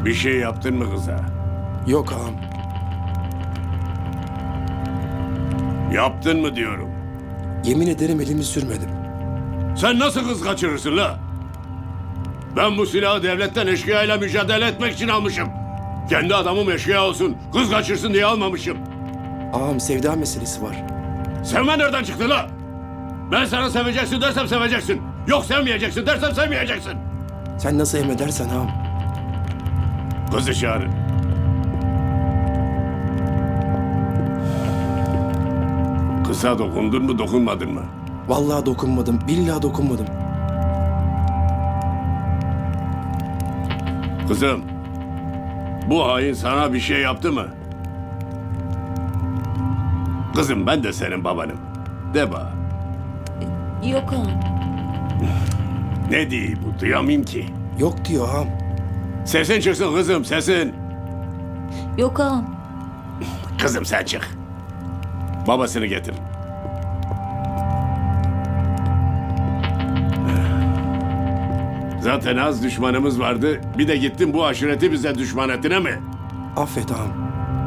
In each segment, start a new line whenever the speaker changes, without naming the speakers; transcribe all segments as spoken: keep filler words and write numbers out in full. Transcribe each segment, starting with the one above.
Bir şey yaptın mı kıza?
Yok ağam.
Yaptın mı diyorum.
Yemin ederim elimi sürmedim.
Sen nasıl kız kaçırırsın la? Ben bu silahı devletten eşkıyayla mücadele etmek için almışım. Kendi adamım eşkıya olsun, kız kaçırsın diye almamışım.
Ağam sevda meselesi var.
Sevme nereden çıktı la? Ben sana seveceksin dersem seveceksin. Yok sevmeyeceksin dersem sevmeyeceksin.
Sen nasıl emredersen ağam.
Kızı çağırın. Kıza dokundun mu dokunmadın mı?
Vallahi dokunmadım. Billahi dokunmadım.
Kızım, bu hain sana bir şey yaptı mı? Kızım ben de senin babanım. De bana.
Yok ağam.
Ne diye bu duyamayayım ki.
Yok diyor ağam.
Sesin çıksın kızım sesin.
Yok ağam.
Kızım sen çık. Babasını getir. Zaten az düşmanımız vardı. Bir de gittin bu aşireti bize düşman ettin mi?
Affet ağam.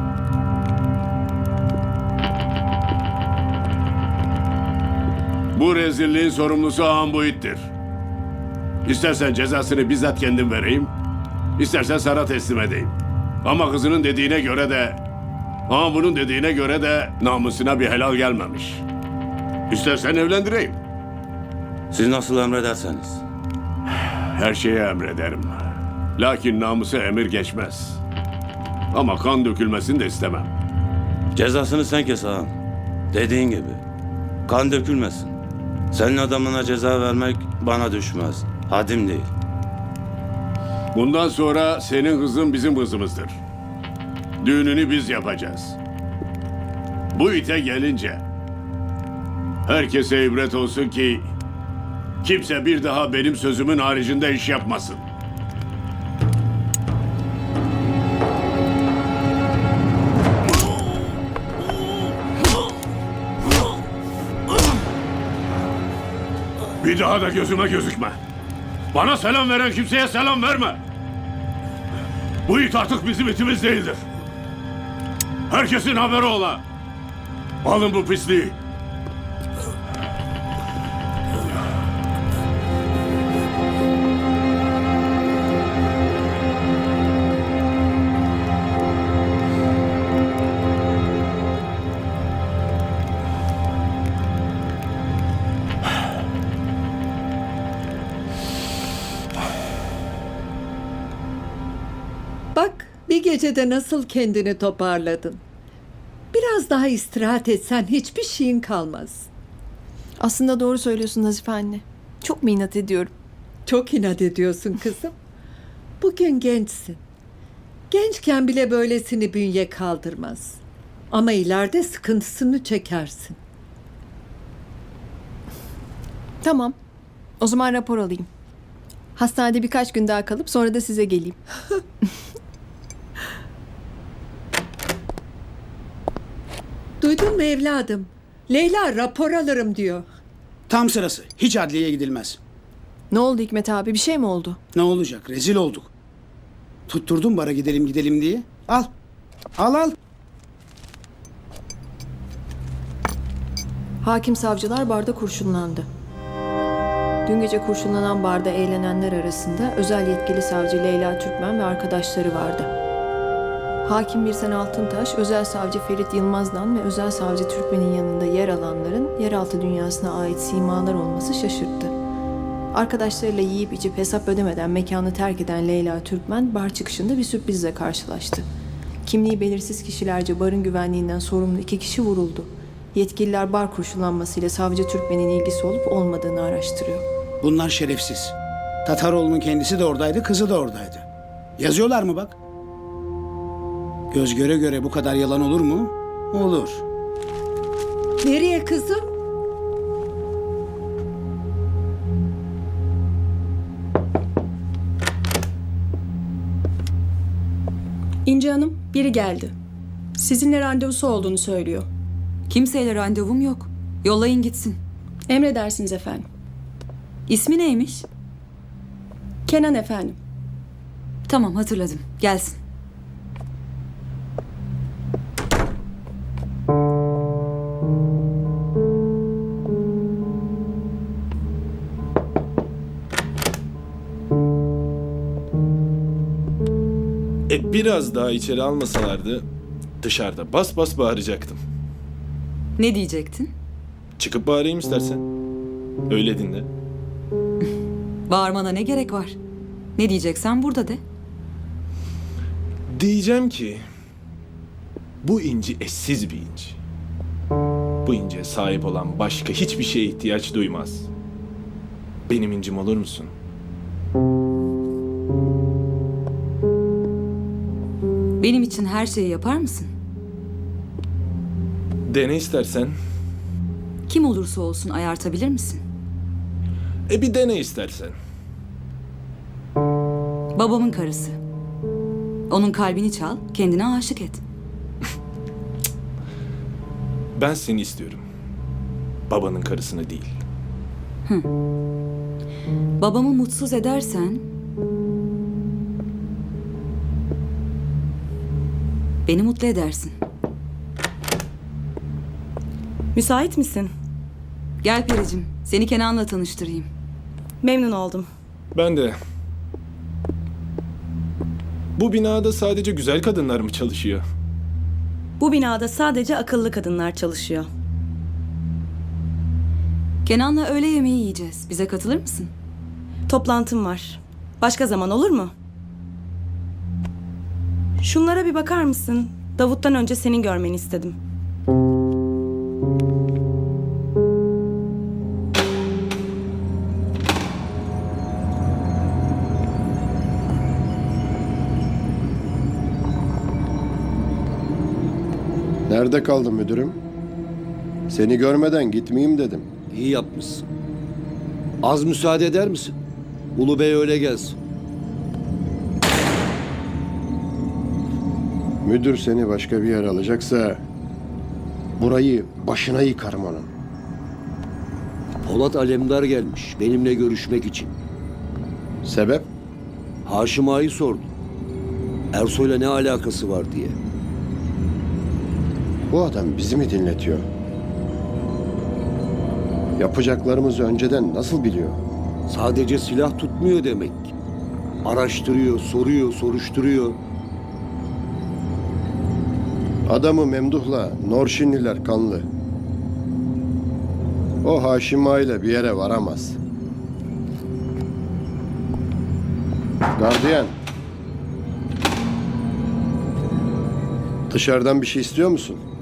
Bu rezilliğin sorumlusu ağam bu ittir. İstersen cezasını bizzat kendim vereyim, istersen sana teslim edeyim. Ama kızının dediğine göre de, ağam bunun dediğine göre de namusuna bir helal gelmemiş. İstersen evlendireyim.
Siz nasıl emrederseniz.
Her şeye emrederim. Lakin namusa emir geçmez. Ama kan dökülmesini de istemem.
Cezasını sen kes ağam. Dediğin gibi. Kan dökülmesin. Senin adamına ceza vermek bana düşmez. Hadim değil.
Bundan sonra senin kızın bizim kızımızdır. Düğününü biz yapacağız. Bu ite gelince herkese ibret olsun ki kimse bir daha benim sözümün haricinde iş yapmasın. Bir daha da gözüme gözükme. Bana selam veren kimseye selam verme. Bu it artık bizim itimiz değildir. Herkesin haberi ola. Alın bu pisliği.
Bak, bir gecede nasıl kendini toparladın. Biraz daha istirahat etsen hiçbir şeyin kalmaz.
Aslında doğru söylüyorsun Nazife anne. Çok mu inat ediyorum?
Çok inat ediyorsun kızım. Bugün gençsin. Gençken bile böylesini bünye kaldırmaz. Ama ileride sıkıntısını çekersin.
Tamam. O zaman rapor alayım. Hastanede birkaç gün daha kalıp sonra da size geleyim.
Duydun mu evladım? Leyla rapor alırım diyor.
Tam sırası. Hiç adliyeye gidilmez.
Ne oldu Hikmet abi? Bir şey mi oldu?
Ne olacak? Rezil olduk. Tutturdun bara gidelim gidelim diye. Al. Al al.
Hakim savcılar barda kurşunlandı. Dün gece kurşunlanan barda eğlenenler arasında özel yetkili savcı Leyla Türkmen ve arkadaşları vardı. Hakim Birsen Altıntaş, özel savcı Ferit Yılmaz'dan ve özel savcı Türkmen'in yanında yer alanların yeraltı dünyasına ait simalar olması şaşırttı. Arkadaşlarıyla yiyip içip hesap ödemeden mekanı terk eden Leyla Türkmen bar çıkışında bir sürprizle karşılaştı. Kimliği belirsiz kişilerce barın güvenliğinden sorumlu iki kişi vuruldu. Yetkililer bar kurşunlanmasıyla savcı Türkmen'in ilgisi olup olmadığını araştırıyor.
Bunlar şerefsiz. Tataroğlu'nun kendisi de oradaydı, kızı da oradaydı. Yazıyorlar mı bak? Göz göre göre bu kadar yalan olur mu? Olur.
Nereye kızım?
İnci Hanım, biri geldi. Sizinle randevusu olduğunu söylüyor.
Kimseyle randevum yok. Yollayın gitsin.
Emredersiniz efendim.
İsmi neymiş?
Kenan efendim.
Tamam hatırladım. Gelsin.
E biraz daha içeri almasalardı dışarıda bas bas bağıracaktım.
Ne diyecektin?
Çıkıp bağırayım istersen. Öyle dinle.
Bağırmana ne gerek var? Ne diyeceksen burada de.
Diyeceğim ki bu inci eşsiz bir inci. Bu inciye sahip olan başka hiçbir şeye ihtiyaç duymaz. Benim incim olur musun?
Benim için her şeyi yapar mısın?
Dene istersen.
Kim olursa olsun ayartabilir misin?
E bir dene istersen.
Babamın karısı. Onun kalbini çal, kendine aşık et.
Ben seni istiyorum. Babanın karısını değil.
Babamı mutsuz edersen... Beni mutlu edersin.
Müsait misin?
Gel Pericim, seni Kenan'la tanıştırayım.
Memnun oldum.
Ben de. Bu binada sadece güzel kadınlar mı çalışıyor?
Bu binada sadece akıllı kadınlar çalışıyor.
Kenan'la öğle yemeği yiyeceğiz. Bize katılır mısın?
Toplantım var. Başka zaman olur mu? Şunlara bir bakar mısın? Davut'tan önce senin görmeni istedim.
Nerede kaldın müdürüm? Seni görmeden gitmeyeyim dedim.
İyi yapmışsın. Az müsaade eder misin? Ulu Bey öyle gelsin.
Müdür seni başka bir yer alacaksa burayı başına yıkarım onun.
Polat Alemdar gelmiş benimle görüşmek için.
Sebep?
Haşim Ağa'yı sordu. Ersoy'la ne alakası var diye.
Bu adam bizi mi dinletiyor? Yapacaklarımızı önceden nasıl biliyor?
Sadece silah tutmuyor demek. Araştırıyor, soruyor, soruşturuyor.
Adamı Memduh'la Norşinliler kanlı. O Haşim Ağa ile bir yere varamaz. Gardiyan. Dışarıdan bir şey istiyor musun?